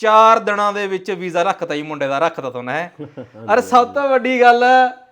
4 ਦਿਨਾਂ ਦੇ ਵਿੱਚ ਵੀਜ਼ਾ ਰੱਖਤਾ ਜੀ ਮੁੰਡੇ ਦਾ, ਰੱਖਤਾ ਤੁਹਾਨੂੰ ਹੈ। ਅਰੇ ਸਭ ਤੋਂ ਵੱਡੀ ਗੱਲ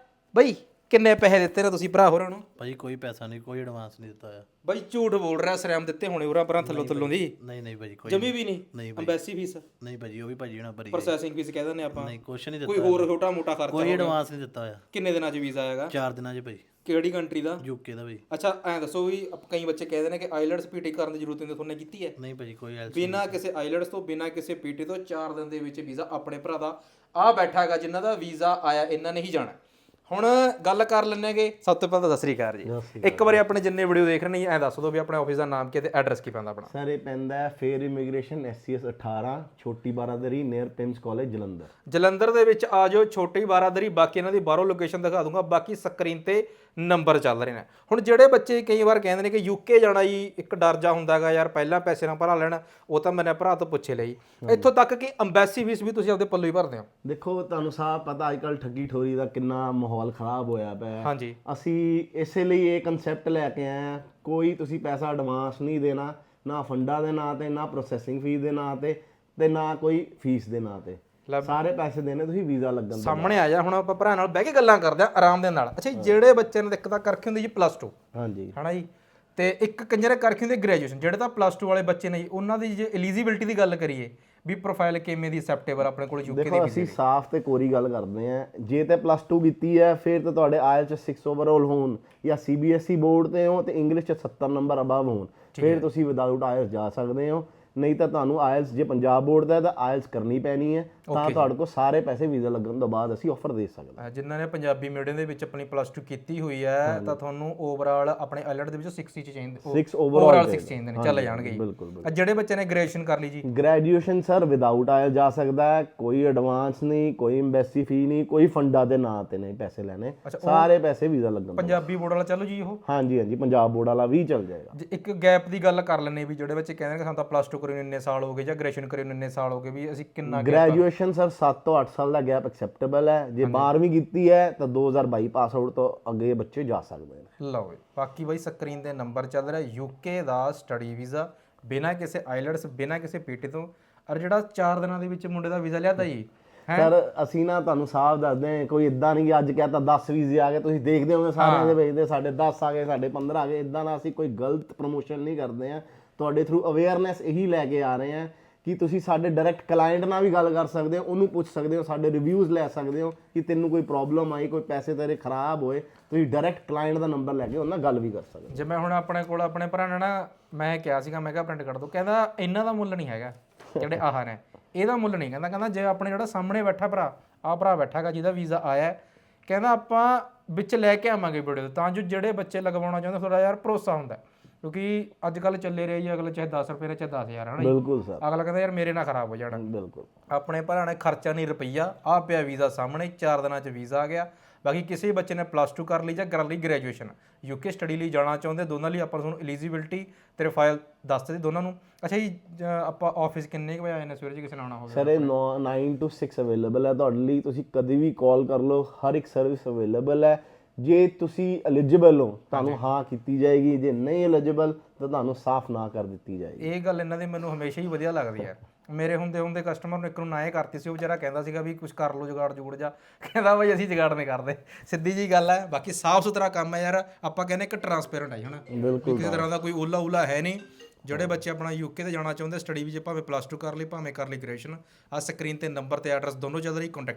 ਬਈ ਕਿੰਨੇ ਪੈਸੇ ਦਿੱਤੇ ਨੇ ਤੁਸੀਂ ਭਰਾ ਹੋਰਾਂ ਨੂੰ? ਭਾਜੀ ਕੋਈ ਪੈਸਾ ਨਹੀਂ, ਕੋਈ ਐਡਵਾਂਸ ਨਹੀਂ ਦਿੱਤਾ ਹੋਇਆ। ਬਈ ਝੂਠ ਬੋਲ ਰਿਹਾ, ਸਰਿਆਮ ਦਿੱਤੇ ਹੋਣੇ ਉਰਾਂ ਪਰਾਂ ਥੱਲੋਂ ਦੀ? ਨਹੀਂ ਭਾਜੀ ਕੋਈ ਜਮੀ ਵੀ ਨਹੀਂ। ਨਹੀਂ ਭਾਜੀ, ਅੰਬੈਸੀ ਫੀਸ ਨਹੀਂ ਭਾਜੀ ਉਹ ਵੀ ਭਾਜੀ ਨਾਲ ਭਰੀ ਪ੍ਰੋਸੈਸਿੰਗ ਫੀਸ ਕਹਿ ਦਿੰਦੇ ਆਪਾਂ, ਨਹੀਂ ਕੁਛ ਨਹੀਂ ਕੋਈ ਦਿੱਤਾ, ਹੋਰ ਛੋਟਾ ਮੋਟਾ ਖਰਚਾ ਕੋਈ ਐਡਵਾਂਸ ਨਹੀਂ ਦਿੱਤਾ ਹੋਇਆ। ਕਿੰਨੇ ਦਿਨਾਂ 'ਚ ਵੀਜ਼ਾ ਆਏਗਾ? 4 ਦਿਨਾਂ 'ਚ ਭਾਜੀ। ਕਿਹੜੀ ਕੰਟਰੀ ਦਾ? ਯੂਕੇ ਦਾ ਭਾਜੀ। ਅੱਛਾ ਐਂ ਦੱਸੋ ਵੀ ਕਈ ਬੱਚੇ ਕਹਿੰਦੇ ਨੇ ਕਿ ਆਈਲੈਟਸ ਪੀਟੀ ਕਰਨ ਦੀ ਜ਼ਰੂਰਤ ਨਹੀਂ, ਤੁਹਾਨੂੰ ਕੀਤੀ ਹੈ? ਨਹੀਂ ਭਾਜੀ ਕੋਈ ਐਲਸ ਬਿਨਾਂ ਕਿਸੇ ਆਈਲੈਟਸ ਤੋਂ, ਬਿਨਾਂ ਕਿਸੇ ਪੀਟੀ ਤੋਂ 4 ਦਿਨ ਦੇ ਵਿੱਚ ਵੀਜ਼ਾ ਆਪਣੇ ਭਰਾ ਦਾ ਆ ਬੈਠਾ ਹੈਗਾ, ਜਿਨ੍ਹਾਂ ਦਾ ਵੀਜ਼ਾ ਆਇਆ ਇਹਨਾਂ ਨੇ ਹੀ ਜਾਣਾ। ਹੁਣ ਗੱਲ ਕਰ ਲੈਣਗੇ, ਸਭ ਤੋਂ ਪਹਿਲਾਂ ਤਾਂ ਸਤਿ ਸ੍ਰੀ ਅਕਾਲ ਜੀ। ਇੱਕ ਵਾਰੀ ਆਪਣੇ ਜਿੰਨੇ ਵੀਡੀਓ ਦੇਖ ਰਹੇ ਨੇ ਐਂ ਦੱਸ ਦਿਓ ਵੀ ਆਪਣੇ ਆਫਿਸ ਦਾ ਨਾਮ ਕੀ ਤੇ ਐਡਰੈਸ ਕੀ ਪੈਂਦਾ ਆਪਣਾ? ਸਰ ਇਹ ਪੈਂਦਾ ਹੈ ਫੇਅਰ ਇਮੀਗ੍ਰੇਸ਼ਨ SCS 18 ਛੋਟੀ ਬਾਰਾਦਰੀ ਨੀਅਰ ਪਿੰਸ ਕਾਲਜ ਜਲੰਧਰ। ਜਲੰਧਰ ਦੇ ਵਿੱਚ ਆ ਜਾਓ, ਛੋਟੀ ਬਾਰਾਦਰੀ। ਬਾਕੀ ਇਹਨਾਂ ਦੀ ਬਾਹਰੋਂ ਲੋਕੇਸ਼ਨ ਦਿਖਾ ਦੂੰਗਾ, ਬਾਕੀ ਸਕਰੀਨ ਤੇ ਨੰਬਰ ਚੱਲ ਰਹੇ ਨੇ। ਹੁਣ ਜਿਹੜੇ ਬੱਚੇ ਕਈ ਵਾਰ ਕਹਿੰਦੇ ਨੇ ਕਿ ਯੂਕੇ ਜਾਣਾ ਜੀ, ਇੱਕ ਡਰ ਜਾ ਹੁੰਦਾ ਹੈਗਾ ਯਾਰ ਪਹਿਲਾਂ ਪੈਸੇ ਨਾ ਭਰਾ ਲੈਣ, ਉਹ ਤਾਂ ਮੈਨੇ ਭਰਾ ਤੋਂ ਪੁੱਛੇ ਲਈ। ਇੱਥੋਂ ਤੱਕ ਕਿ ਅੰਬੈਸੀ ਫੀਸ ਵੀ ਤੁਸੀਂ ਆਪਦੇ ਪੱਲੋਂ ਹੀ ਭਰਦੇ ਹੋ। ਦੇਖੋ ਤੁਹਾਨੂੰ ਸਾਹ ਪਤਾ ਅੱਜ ਕੱਲ ਠੱਗੀ ਠੋਰੀ ਦਾ ਕਿੰਨਾ ਮਾਹੌਲ ਖਰਾਬ ਹੋਇਆ ਪਿਆ। ਹਾਂਜੀ, ਅਸੀਂ ਇਸੇ ਲਈ ਇਹ ਕਨਸੈਪਟ ਲੈ ਕੇ ਆਏ ਹਾਂ, ਕੋਈ ਤੁਸੀਂ ਪੈਸਾ ਐਡਵਾਂਸ ਨਹੀਂ ਦੇਣਾ, ਨਾ ਫੰਡਾਂ ਦੇ ਨਾਂ ਤੇ, ਨਾ ਪ੍ਰੋਸੈਸਿੰਗ ਫੀਸ ਦੇ ਨਾਂ ਤੇ ਨਾ ਕੋਈ ਫੀਸ ਦੇ ਨਾਂ ਤੇ। ਸਾਰੇ ਪੈਸੇ ਦੇਣੇ ਤੁਸੀਂ ਵੀਜ਼ਾ ਲੱਗਣ ਤੋਂ ਸਾਹਮਣੇ ਆ ਜਾ। ਹੁਣ ਆਪਾਂ ਭਰਾ ਨਾਲ ਬਹਿ ਕੇ ਗੱਲਾਂ ਕਰਦੇ ਆ ਆਰਾਮ ਦੇ ਨਾਲ। ਅੱਛਾ, ਜਿਹੜੇ ਬੱਚੇ ਨੇ ਦਿੱਕਤਾਂ ਕਰਕੇ ਹੁੰਦੀ ਜੀ +2, ਹਾਂਜੀ ਹਨਾ ਜੀ, ਤੇ ਇੱਕ ਕੰਜਰੇ ਕਰਕੇ ਹੁੰਦੇ ਗ੍ਰੈਜੂਏਸ਼ਨ, ਜਿਹੜੇ ਤਾਂ +2 ਵਾਲੇ ਬੱਚੇ ਨੇ ਜੀ, ਉਹਨਾਂ ਦੀ ਜੇ ਐਲੀਜੀਬਿਲਟੀ ਦੀ ਗੱਲ ਕਰੀਏ ਵੀ ਪ੍ਰੋਫਾਈਲ ਕਿਵੇਂ ਦੀ ਐਕਸੈਪਟੇਬਲ ਆਪਣੇ ਕੋਲ ਯੂਕੇ ਦੀ? ਦੇਖੋ ਅਸੀਂ ਸਾਫ਼ ਤੇ ਕੋਰੀ ਗੱਲ ਕਰਦੇ ਆਂ, ਜੇ ਤੇ +2 ਕੀਤੀ ਹੈ ਫਿਰ ਤਾਂ ਤੁਹਾਡੇ IELTS 6 ਓਵਰਆਲ ਹੋਣ ਜਾਂ CBSE ਬੋਰਡ ਤੇ ਹੋ ਤੇ ਇੰਗਲਿਸ਼ 'ਚ 70 ਨੰਬਰ ਅਬਵ ਹੋਣ, ਫਿਰ ਤੁਸੀਂ ਵਿਦਆਊਟ IELTS ਜਾ ਸਕਦੇ ਹੋ। ਨਹੀਂ ਤਾਂ ਤੁਹਾਨੂੰ IELTS ਜੇ ਪੰਜਾਬ ਬੋਰਡ ਦਾ ਤਾਂ IELTS ਕਰਨੀ ਪੈਣੀ ਹੈ, ਤਾਂ ਤੁਹਾਡੇ ਕੋਲ ਸਾਰੇ ਪੈਸੇ ਵੀਜ਼ਾ ਲੱਗਣ ਤੋਂ ਬਾਅਦ ਅਸੀਂ ਆਫਰ ਦੇ ਸਕਦੇ ਹਾਂ। ਜਿਨ੍ਹਾਂ ਨੇ ਪੰਜਾਬੀ ਮੀਡੀਅਮ ਦੇ ਵਿੱਚ ਆਪਣੀ +2 ਕੀਤੀ ਹੋਈ ਹੈ ਤਾਂ ਤੁਹਾਨੂੰ ਓਵਰਆਲ ਆਪਣੇ ਆਈਲੈਟ ਦੇ ਵਿੱਚੋਂ 60 ਚਾਹੀਦੇ, 6 ਓਵਰਆਲ 6 ਚਾਹੀਦੇ ਨੇ, ਚੱਲ ਜਾਣਗੇ। ਬਿਲਕੁਲ। ਜਿਹੜੇ ਬੱਚੇ ਨੇ ਗ੍ਰੈਜੂਏਸ਼ਨ ਕਰ ਲਈ ਜੀ, ਗ੍ਰੈਜੂਏਸ਼ਨ ਸਰ ਵਿਦਆਊਟ IELTS ਜਾ ਸਕਦਾ ਹੈ, ਕੋਈ ਐਡਵਾਂਸ ਨਹੀਂ, ਕੋਈ ਐਮਬੈਸੀ ਫੀ ਨਹੀਂ, ਕੋਈ ਫੰਡਾਂ ਦੇ ਨਾਂ ਤੇ ਨਹੀਂ ਪੈਸੇ ਲੈਣੇ, ਸਾਰੇ ਪੈਸੇ ਵੀਜ਼ਾ ਲੱਗਣ। ਪੰਜਾਬੀ ਬੋਰਡ ਵਾਲਾ ਚੱਲੋ ਜੀ ਉਹ? ਹਾਂਜੀ ਪੰਜਾਬ ਬੋਰਡ ਵਾਲਾ ਵੀ ਚੱਲ ਜਾਏਗਾ। ਇੱਕ ਗੈਪ ਦੀ ਗੱਲ ਕਰ ਲੈਣੇ ਵੀ ਜਿਹੜੇ ਬੱਚੇ ਕਹਿੰਦੇ ਨੇ ਸਾਨੂੰ ਤਾਂ +2 ਕਰੀ ਨੂੰ ਇੰਨੇ ਸਾਲ ਹੋ ਗਏ ਜਾਂ ਗ੍ਰੈਜੂਏਸ਼ਨ ਕਰੀ ਨੂੰ ਇੰਨੇ ਸਾਲ ਹੋ ਗਏ, ਵੀ ਅਸੀਂ ਕਿੰਨਾ ਗ੍ਰੈਜੂਏਸ਼ਨ ਸਰ 7 ਤੋਂ 8 ਸਾਲ ਦਾ ਗੈਪ ਐਕਸੈਪਟੇਬਲ ਹੈ। ਜੇ 12ਵੀਂ ਕੀਤੀ ਹੈ ਤਾਂ 2022 ਪਾਸ ਆਊਟ ਤੋਂ ਅੱਗੇ ਬੱਚੇ ਜਾ ਸਕਦੇ ਨੇ। ਲਓ ਜੀ, ਬਾਕੀ ਬਾਈ ਸਕਰੀਨ ਤੇ ਨੰਬਰ ਚੱਲ ਰਿਹਾ, ਯੂਕੇ ਦਾ ਸਟੱਡੀ ਵੀਜ਼ਾ ਬਿਨਾਂ ਕਿਸੇ ਆਈਲੈਟਸ, ਬਿਨਾਂ ਕਿਸੇ ਪੀਟੀ ਤੋਂ, ਔਰ ਜਿਹੜਾ 4 ਦਿਨਾਂ ਦੇ ਵਿੱਚ ਮੁੰਡੇ ਦਾ ਵੀਜ਼ਾ ਲਿਆਦਾ ਜੀ। ਸਰ ਅਸੀਂ ਨਾ ਤੁਹਾਨੂੰ ਸਾਫ਼ ਦੱਸਦੇ ਹਾਂ, ਕੋਈ ਇਦਾਂ ਨਹੀਂ ਕਿ ਅੱਜ ਕਹਿਤਾ 10 ਵੀਜ਼ੇ ਆ ਗਏ, ਤੁਸੀਂ ਦੇਖਦੇ ਹੋਗੇ ਸਾਰਿਆਂ ਦੇ ਵੇਚਦੇ ਸਾਡੇ 10 ਆ ਗਏ, ਸਾਡੇ 15 ਆ ਗਏ। ਇਦਾਂ ਦਾ ਅਸੀਂ ਕੋਈ ਗਲਤ ਪ੍ਰਮੋਸ਼ਨ ਨਹੀਂ ਕਰਦੇ ਹਾਂ, ਤੁਹਾਡੇ ਥਰੂ ਅਵੇਅਰਨੈਸ ਇਹੀ ਲੈ ਕੇ ਆ ਰਹੇ ਹਾਂ ਕਿ ਤੁਸੀਂ ਸਾਡੇ ਡਾਇਰੈਕਟ ਕਲਾਇੰਟ ਨਾਲ ਵੀ ਗੱਲ ਕਰ ਸਕਦੇ ਹੋ, ਉਹਨੂੰ ਪੁੱਛ ਸਕਦੇ ਹੋ, ਸਾਡੇ ਰਿਵਿਊਜ਼ ਲੈ ਸਕਦੇ ਹੋ ਕਿ ਤੈਨੂੰ ਕੋਈ ਪ੍ਰੋਬਲਮ ਆਈ, ਕੋਈ ਪੈਸੇ ਤੇਰੇ ਖਰਾਬ ਹੋਏ, ਤੁਸੀਂ ਡਾਇਰੈਕਟ ਕਲਾਇੰਟ ਦਾ ਨੰਬਰ ਲੈ ਕੇ ਉਹਨਾਂ ਨਾਲ ਗੱਲ ਵੀ ਕਰ ਸਕਦੇ ਹੋ। ਜਿਵੇਂ ਹੁਣ ਆਪਣੇ ਕੋਲ ਆਪਣੇ ਭਰਾ ਨੇ ਨਾ, ਮੈਂ ਕਿਹਾ ਸੀਗਾ ਮੈਂ ਕਿਹਾ ਪ੍ਰਿੰਟ ਕਰ ਦੋ, ਕਹਿੰਦਾ ਇਹਨਾਂ ਦਾ ਮੁੱਲ ਨਹੀਂ ਹੈਗਾ ਜਿਹੜੇ ਆਹ ਨੇ, ਇਹਦਾ ਮੁੱਲ ਨਹੀਂ। ਕਹਿੰਦਾ ਜੇ ਆਪਣੇ ਜਿਹੜਾ ਸਾਹਮਣੇ ਬੈਠਾ ਭਰਾ, ਆਹ ਭਰਾ ਬੈਠਾ ਹੈਗਾ ਜਿਹਦਾ ਵੀਜ਼ਾ ਆਇਆ, ਕਹਿੰਦਾ ਆਪਾਂ ਵਿੱਚ ਲੈ ਕੇ ਆਵਾਂਗੇ ਵੀਡੀਓ ਤਾਂ ਜੋ ਜਿਹੜੇ ਬੱਚੇ ਲਗਵਾਉਣਾ ਚਾਹੁੰਦੇ ਥੋੜਾ ਯਾਰ ਭਰੋਸਾ ਹੁੰਦਾ, ਕਿਉਂਕਿ ਅੱਜ ਕੱਲ ਚੱਲੇ ਰਹੇ ਜੀ ਅਗਲੇ ਚਾਹੇ 10 ਰੁਪਏ ਚਾਹੇ 10,000 ਹੈ ਨਾ। ਬਿਲਕੁਲ ਸਰ, ਅਗਲਾ ਕਹਿੰਦਾ ਯਾਰ ਮੇਰੇ ਨਾਲ ਖਰਾਬ ਹੋ ਜਾਣਾ। ਬਿਲਕੁਲ ਆਪਣੇ ਭਰਾ ਨੇ ਖਰਚਾ ਨਹੀਂ ਰੁਪਈਆ, ਆ ਪਿਆ ਵੀਜ਼ਾ ਸਾਹਮਣੇ, 4 ਦਿਨਾਂ 'ਚ ਵੀਜ਼ਾ ਆ ਗਿਆ। ਬਾਕੀ ਕਿਸੇ ਬੱਚੇ ਨੇ +2 ਕਰ ਲਈ ਜਾਂ ਕਰ ਲਈ ਗ੍ਰੈਜੂਏਸ਼ਨ, ਯੂਕੇ ਸਟੱਡੀ ਲਈ ਜਾਣਾ ਚਾਹੁੰਦੇ, ਦੋਨਾਂ ਲਈ ਆਪਾਂ ਤੁਹਾਨੂੰ ਐਲੀਜੀਬਿਲਟੀ ਤੇ ਪ੍ਰੋਫਾਈਲ ਦੱਸ ਦਿੱਤੀ ਦੋਨਾਂ ਨੂੰ। ਅੱਛਾ ਜੀ, ਆਪਾਂ ਆਫਿਸ ਕਿੰਨੇ ਕੁ ਵਜੇ ਆਏ ਨੇ ਸਵੇਰੇ ਜੀ ਕਿਸੇ ਨੇ ਆਉਣਾ ਹੋਵੇ? ਸਰ ਇਹ 9 to 6 ਅਵੇਲੇਬਲ ਹੈ ਤੁਹਾਡੇ ਲਈ, ਤੁਸੀਂ ਕਦੇ ਵੀ ਕਾਲ ਕਰ ਲਓ, ਹਰ ਇੱਕ ਸਰਵਿਸ ਅਵੇਲੇਬਲ ਹੈ। ਜੇ ਤੁਸੀਂ ਐਲੀਜੀਬਲ ਹੋ ਤੁਹਾਨੂੰ ਹਾਂ ਕੀਤੀ ਜਾਏਗੀ, ਜੇ ਨਹੀਂ ਐਲੀਜੀਬਲ ਤਾਂ ਤੁਹਾਨੂੰ ਸਾਫ਼ ਨਾ ਕਰ ਦਿੱਤੀ ਜਾਏਗੀ। ਇਹ ਗੱਲ ਇਹਨਾਂ ਦੀ ਮੈਨੂੰ ਹਮੇਸ਼ਾ ਹੀ ਵਧੀਆ ਲੱਗਦੀ ਹੈ। ਮੇਰੇ ਹੁੰਦੇ ਕਸਟਮਰ ਨੂੰ ਇੱਕ ਨੂੰ ਨਾ ਇਹ ਕਰਤੀ ਸੀ, ਉਹ ਵਿਚਾਰਾ ਕਹਿੰਦਾ ਸੀਗਾ ਵੀ ਕੁਝ ਕਰ ਲਓ ਜੁਗਾੜ ਜੁਗੜ ਜਾ, ਕਹਿੰਦਾ ਬਈ ਅਸੀਂ ਜੁਗਾੜ ਨਹੀਂ ਕਰਦੇ, ਸਿੱਧੀ ਜੀ ਗੱਲ ਹੈ। ਬਾਕੀ ਸਾਫ਼ ਸੁਥਰਾ ਕੰਮ ਹੈ ਯਾਰ, ਆਪਾਂ ਕਹਿੰਦੇ ਇੱਕ ਟਰਾਂਸਪੇਰੈਂਟ ਹੈ ਹਨਾ, ਕਿਸੇ ਤਰ੍ਹਾਂ ਦਾ ਕੋਈ ਓਲਾ ਹੈ ਨਹੀਂ। ਜਿਹੜੇ ਬੱਚੇ ਆਪਣਾ ਯੂਕੇ ਤੇ ਜਾਣਾ ਚਾਹੁੰਦੇ ਸਟੱਡੀ ਵਿੱਚ, ਭਾਵੇਂ +2 ਕਰ ਲਈ ਭਾਵੇਂ ਕਰ ਲਈ ਗ੍ਰੈਜੂਏਸ਼ਨ, ਆਹ ਸਕਰੀਨ ਤੇ ਨੰਬਰ ਤੇ ਐਡਰੈਸ ਦੋਨੋਂ ਚੱਲ ਰਹੀ, ਕੰਟੈਕਟ